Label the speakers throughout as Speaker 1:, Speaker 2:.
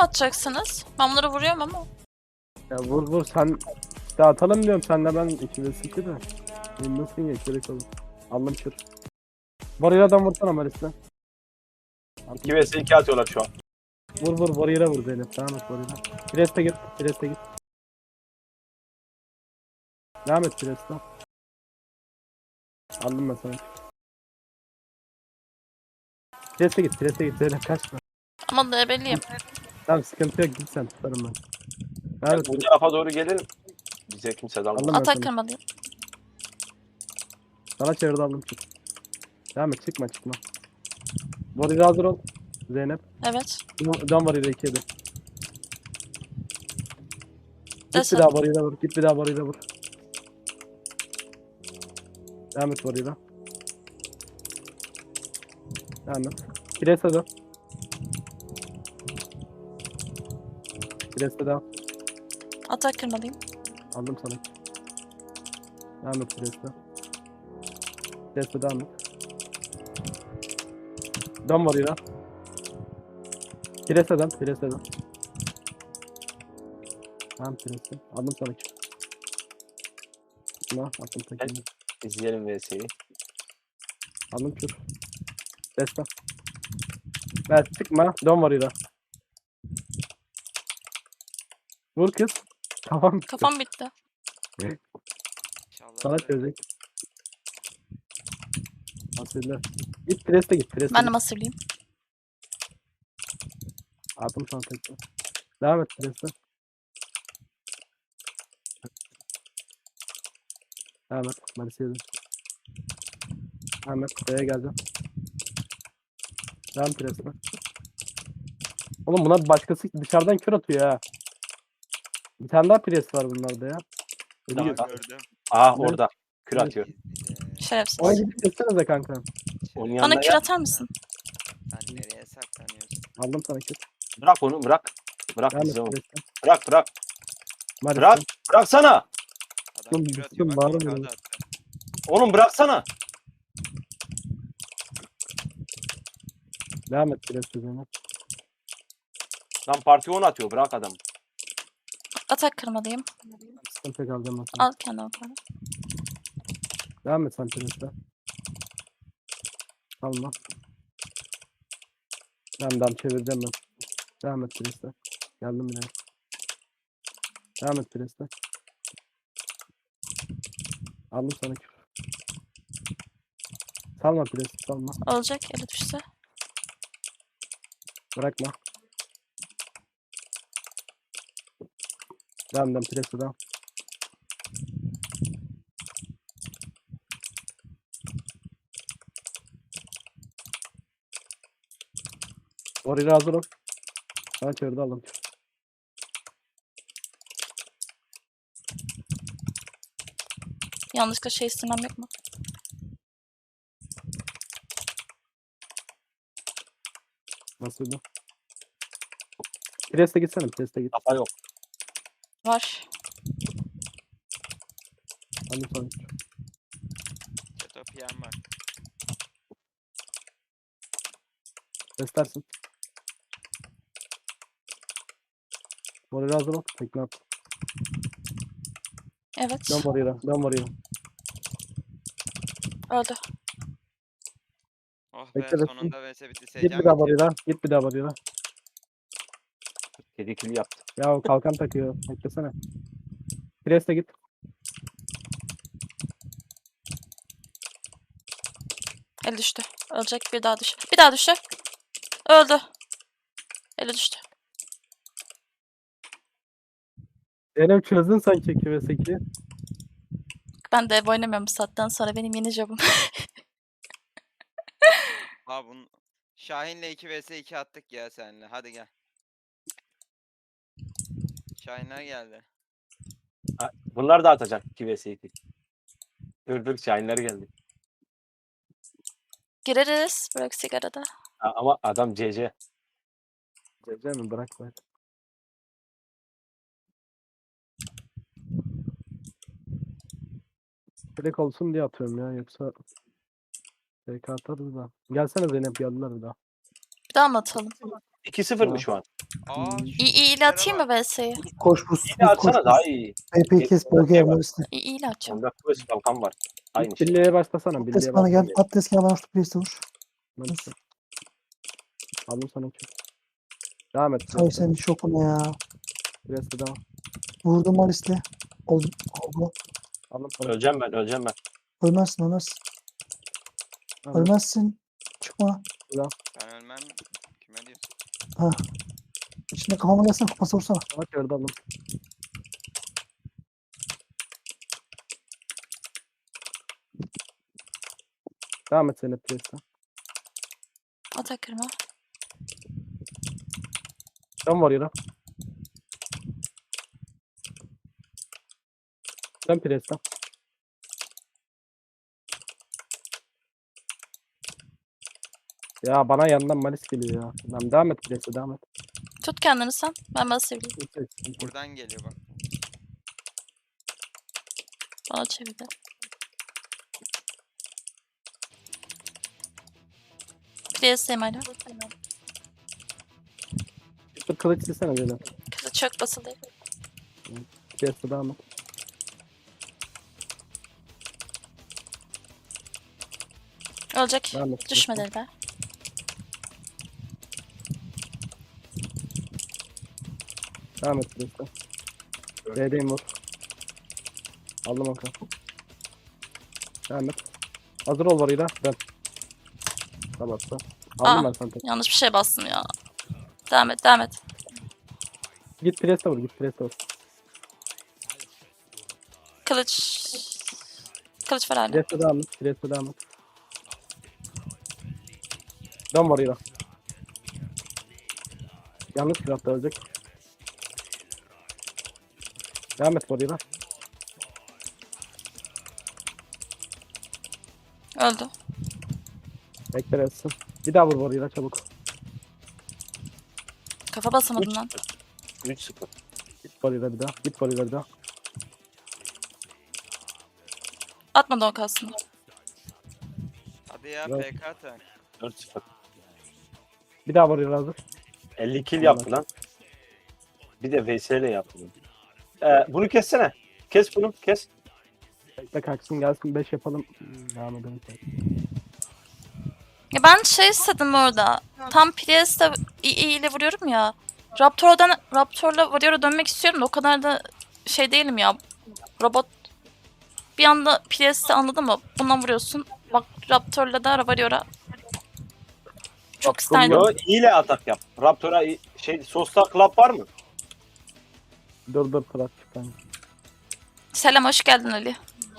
Speaker 1: atacaksınız? Ben bunları vuruyorum ama.
Speaker 2: Ya vur vur sen. İşte atalım diyorum senle ben ikimiz iki de. Nasıl geç gerek olur. Aldım kür. Varıyladan vursana Maris'le.
Speaker 3: 2 vs 2 atıyorlar şu an.
Speaker 2: Vur vur varıyla vur Zeynep. Devam et varıyla. Pres'te git. Pres'te git. Devam et Pres'te. Aldım ben sana. Pres'te git. Pres'te git. Zeynep kaçma.
Speaker 1: Ama da ebeliyim.
Speaker 2: Tamam sıkıntı yok git sen tutarım ben. Devam
Speaker 3: Yani
Speaker 2: et.
Speaker 3: bu tarafa doğru gelin. Bize kimse dalmaz.
Speaker 2: Aldım ben
Speaker 1: Atak
Speaker 2: sana.
Speaker 1: kırmalıyım.
Speaker 2: Sana çevirdi aldım çık. Devam et çıkma çıkma. Varıyla hazır ol. Zeynep.
Speaker 1: Evet.
Speaker 2: Can varıyla 2 yedi. Git bir
Speaker 1: Desem.
Speaker 2: daha varıyla vur. Git bir daha varıyla vur. Devam et varıyla. Devam et. Kires'e dön. Kires'e devam.
Speaker 1: Atak kırmalıyım.
Speaker 2: Aldım sana. Devam et Kires'e. Kires'e devam et. Dön varıyla. Kires'e dön. Kires'e dön. Tamam Kires'e. Aldım sana. Buna attım tekini.
Speaker 3: İzleyelim vs'yi.
Speaker 2: Aldım kür. Destan. Ver çıkma. Dön varıyla. Vur kız. Tamam.
Speaker 1: Kafam bitti.
Speaker 4: İnşallah
Speaker 2: Sana
Speaker 4: böyle.
Speaker 2: çözecek. Asırlar. Git Pres'te git. Pres'te
Speaker 1: Ben de
Speaker 2: git.
Speaker 1: masırlıyım.
Speaker 2: Attım sana tekrar. Devam et Pres'te. Devam et. Maris'e dön. Devam et. Buraya geleceğim. Devam Pres'te. Oğlum buna başkası dışarıdan kör atıyor ha. Bir tane daha pres var bunlarda ya.
Speaker 3: Daha
Speaker 4: Daha
Speaker 3: da-
Speaker 4: gördüm.
Speaker 3: Aa orada. Kür
Speaker 2: Evet.
Speaker 3: atıyor.
Speaker 1: Şerefsiz.
Speaker 2: Ona gidip kessenize kanka.
Speaker 3: Onun
Speaker 1: Bana
Speaker 3: yanına
Speaker 1: kür
Speaker 3: gel.
Speaker 1: atar mısın?
Speaker 4: Sen nereye saklanıyorsun?
Speaker 2: Aldım sana kür.
Speaker 3: Bırak onu bırak. Bırak
Speaker 2: Devam et
Speaker 3: bizi onu.
Speaker 2: Pres'te.
Speaker 3: Bırak bırak.
Speaker 2: Maris'te.
Speaker 3: Bırak. Bıraksana.
Speaker 4: Adam
Speaker 2: Oğlum,
Speaker 4: kür atıyor bak.
Speaker 2: bağırma
Speaker 4: Kağıdı
Speaker 2: ya.
Speaker 4: attı.
Speaker 3: Oğlum bıraksana.
Speaker 2: Devam et Pres'te Zeynep.
Speaker 3: Lan parti 10 atıyor. Bırak adam.
Speaker 1: Atak kırmalıyım.
Speaker 2: Sıkıntı kalacağım ben sana.
Speaker 1: Al kendini yukarı.
Speaker 2: Devam et sen Pres'te. Alma. Devam çevireceğim ben. Devam et Pres'te. Geldim bile. Devam et Pres'te. Aldım sana kür. Salma Pres'te salma.
Speaker 1: Olacak. Eli düşse.
Speaker 2: Bırakma. Devam Pres'te devam. Oraya hazır ol. Sana çevirdi aldım.
Speaker 1: Yanlışlıkla şey istemem yok mu?
Speaker 2: Nasıldı? Pres'te gitsene. Pres'te git.
Speaker 3: Kafa yok.
Speaker 1: Var.
Speaker 2: Aldım sana kür.
Speaker 4: Çatopiyan var.
Speaker 2: Pres'lersin. Oraya hazır ol. Tekne at.
Speaker 1: Evet.
Speaker 2: Dön oraya. Dön oraya.
Speaker 1: Öldü.
Speaker 4: Oh be
Speaker 2: Bekle, bekle.
Speaker 4: sonunda vs bitti.
Speaker 2: Git
Speaker 4: Seyircan
Speaker 2: bir daha
Speaker 4: bitiyor.
Speaker 2: oraya. Git bir daha oraya.
Speaker 3: Kedi kili yaptı.
Speaker 2: Ya o kalkan takıyor. Beklesene. Pres'te git.
Speaker 1: Eli düştü. Ölecek. Bir daha düş. Bir daha düştü. Öldü. Eli düştü.
Speaker 2: Zeynep çözdün sanki 2 ve 8'i.
Speaker 1: Ben de ev oynamıyorum bu saatten sonra. Benim yeni jobum.
Speaker 4: Ha bunun Şahin'le 2 vs 2 attık ya seninle. Hadi gel. Şahinler geldi.
Speaker 3: Bunlar da atacak 2 vs 2. Dur Şahinler geldi.
Speaker 1: Gireriz. Bırak sigarada.
Speaker 3: Ama adam CC.
Speaker 2: Cevcem mi bırak bırak. Direkt olsun diye atıyorum ya yoksa TK atarız da. Gelsene Zeynep geldiler bir daha.
Speaker 1: Bir daha mı atalım?
Speaker 3: 2-0 mı şu an?
Speaker 4: Aa, şu
Speaker 1: İyi ile atayım mı VS'yi?
Speaker 5: Koş buz.
Speaker 3: Yine atsana daha iyi.
Speaker 5: TP'yi kes bölge yapmalısın.
Speaker 1: İyi ile atacağım.
Speaker 3: Onda kuvvet kalkan var. Aynı şey.
Speaker 2: Birliğe başlasana. Birliğe
Speaker 5: Des bana gel.
Speaker 2: başlasana.
Speaker 5: At des gel bana şu place'e vur.
Speaker 2: Aldım sana çok. Devam et.
Speaker 5: Say senin şokuna ya.
Speaker 2: Biraz da devam.
Speaker 5: Vurdum Malis'le. Oldu. Oldu.
Speaker 2: Aldım sana.
Speaker 3: Öleceğim ben.
Speaker 5: Ölmezsin ölmezsin.
Speaker 2: Aldım.
Speaker 5: Ölmezsin. Çıkma.
Speaker 4: ben ölmem. Kime diyorsun?
Speaker 5: Ha. İçine kafama gelsene kafası vursana.
Speaker 2: Bak yerde aldım. Devam et Zeynep Priest'e.
Speaker 1: Ata kırma.
Speaker 2: Dön Warrior'a. Dön Priest'e. Ya bana yandan Malis geliyor ya. Lan devam et Priest'e devam et.
Speaker 1: Tut kendini sen. Ben basayım.
Speaker 4: Buradan geliyor bak.
Speaker 1: Bana çevirdi. PS'yim hala.
Speaker 2: Bir kılıç silsene Zeynep.
Speaker 1: Kızı çok basılı.
Speaker 2: Priest'e devam et.
Speaker 1: Ölecek.
Speaker 2: Devam et.
Speaker 1: Düşmedi be.
Speaker 2: Devam et Priest'e. B'deyim vur. Aldım onu. Devam et. Hazır ol Warrior'a. Dön. Tamam. Aldım
Speaker 1: Aa.
Speaker 2: ben sana.
Speaker 1: Yanlış bir şey bastım ya. Devam et, devam et.
Speaker 2: Git Priest'e vur. Git Priest'e vur.
Speaker 1: Kılıç. Kılıç var hala.
Speaker 2: Priest'e devam et. Priest'e devam et. Dön Warrior'a. Yanlış craft'ta ölecek. Devam et Warrior'a.
Speaker 1: Öldü.
Speaker 2: Bekle etsin. Bir daha vur Warrior'a çabuk.
Speaker 1: Kafa basamadım lan.
Speaker 3: 3-0.
Speaker 2: Git Warrior'a bir daha. Git Warrior'a bir daha.
Speaker 1: Atmadı o kalsın.
Speaker 4: Hadi ya
Speaker 2: Evet.
Speaker 4: PK atın.
Speaker 3: 4-0.
Speaker 2: Bir daha Warrior'a hazır.
Speaker 3: 50 kill yaptı lan. Bir de VS ile yaptı. Bunu kessene. Kes bunu. Kes.
Speaker 2: Bekle kalksın gelsin 5 yapalım. Devam edelim.
Speaker 1: Ya ben şey istedim orada. Tam Priest'e iyi ile vuruyorum ya. Raptor'la Warrior'a dönmek istiyorum da o kadar da şey değilim ya. Robot bir anda Priest'i anladın mı? Bundan vuruyorsun. Bak Raptor'la da Warrior'a. Çok isterdim.
Speaker 3: Yo, ile atak yap. Raptor'a Sosta Club var mı?
Speaker 2: Dur Fırat çıkan.
Speaker 1: Selam, hoş geldin Ali.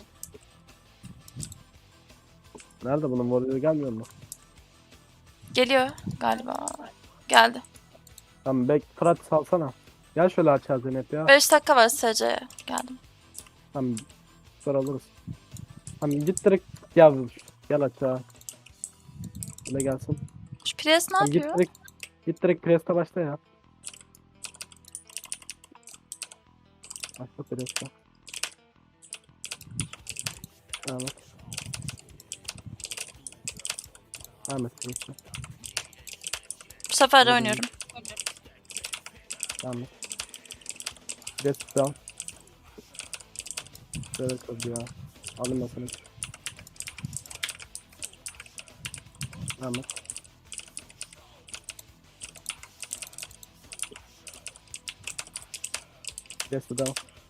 Speaker 2: Nerede bunun Warrior'a gelmiyor mu?
Speaker 1: Geliyor galiba. Geldi.
Speaker 2: Tamam Fırat salsana. Gel şöyle açar Zeynep ya.
Speaker 1: 5 dakika var SC'ye. Geldim.
Speaker 2: Tamam. Sonra alırız. Tamam git direkt gel. Gel aşağı. Böyle gelsin.
Speaker 1: Şu Priest ne
Speaker 2: Tamam,
Speaker 1: yapıyor?
Speaker 2: git direkt Priest'e başla ya. Başla Priest'e. Devam et. Devam et Priest'e.
Speaker 1: Bu sefer de oynuyorum.
Speaker 2: Devam et. Priest down. Şöyle kırdı ya. Alın masanı. Devam et. Priest down.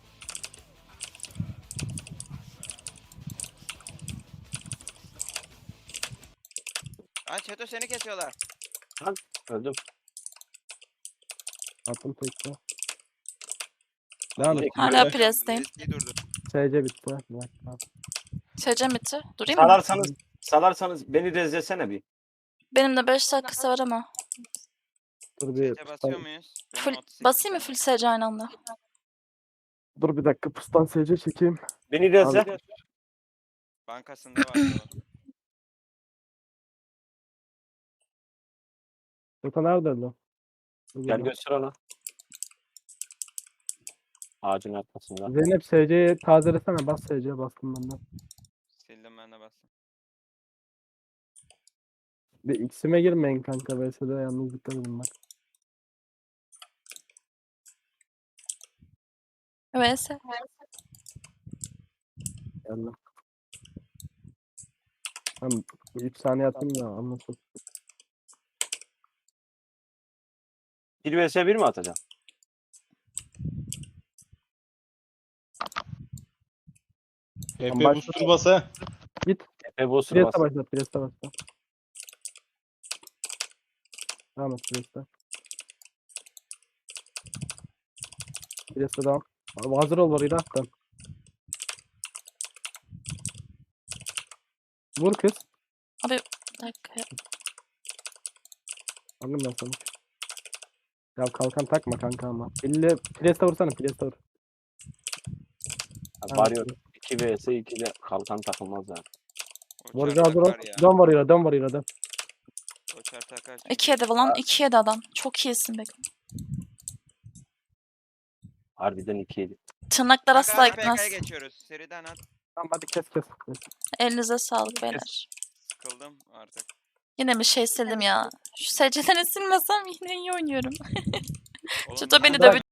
Speaker 4: Lan Çeto seni kesiyorlar.
Speaker 3: Öldüm.
Speaker 2: Attım tekte. Devam et.
Speaker 1: Hala Priest'teyim.
Speaker 4: Eski durdu.
Speaker 2: SC bitti. Bırak, tamam.
Speaker 1: SC bitti. Durayım mı?
Speaker 3: Salarsanız beni rezlesene bir.
Speaker 1: Benim de 5 dakikası var ama.
Speaker 2: Dur bir
Speaker 4: Çete basıyor muyuz? Benim
Speaker 1: Full,
Speaker 4: 38
Speaker 1: basayım mı
Speaker 4: tane.
Speaker 1: full SC aynı anda?
Speaker 2: dur bir dakika pustan SC çekeyim.
Speaker 3: Beni rezle.
Speaker 4: Bankasında var.
Speaker 2: Yoksa nerede lan?
Speaker 3: Gel göster ona. Ağacın arkasında.
Speaker 2: Zeynep SC'yi tazelesene. Bas SC'ye bastım ben de.
Speaker 4: Sildim ben de bastım.
Speaker 2: Bir X'ime girmeyin kanka. VS'de yalnızlıkta bulunmak.
Speaker 1: VS.
Speaker 2: Geldim. Tamam. 3 saniye atayım da anlasın.
Speaker 3: 1 vs 1 mi atacaksın?
Speaker 6: Efe
Speaker 2: başla.
Speaker 6: booster bas ha.
Speaker 3: Efe Boss'u
Speaker 2: Priest'e
Speaker 3: bas.
Speaker 2: başla. Priest'e başla. Devam et Priest'e. Priest'e devam. Abi hazır ol orayı da. Dön. Vur kız.
Speaker 1: Abi bir dakika ya.
Speaker 2: Anladım ben sana. Ya kalkan takma kanka ama. Elle Priest'e vursana. Priest'e vur.
Speaker 3: Varıyor. 2 vs 2'de kalkan takılmaz yani.
Speaker 2: Vur
Speaker 4: Uçar
Speaker 2: hazır ol.
Speaker 4: takar ya.
Speaker 2: Dön varıyla. Dön varıyla. Dön.
Speaker 4: Uçar takar. çünkü.
Speaker 1: 2 yedi lan. 2 yedi adam. Çok iyisin be.
Speaker 3: Harbiden 2 yedi.
Speaker 1: Tırnaklar
Speaker 4: Kanka
Speaker 1: asla
Speaker 4: hadi
Speaker 1: gitmez.
Speaker 4: PK'ya geçiyoruz. Seriden at.
Speaker 2: Tamam hadi kes kes.
Speaker 1: Elinize sağlık beyler.
Speaker 4: Sıkıldım artık.
Speaker 1: Yine bir şey sildim ya. Şu secdelerini silmesem yine iyi oynuyorum.
Speaker 4: Oğlum
Speaker 1: Şu da beni
Speaker 2: Bırak.
Speaker 1: dövecek.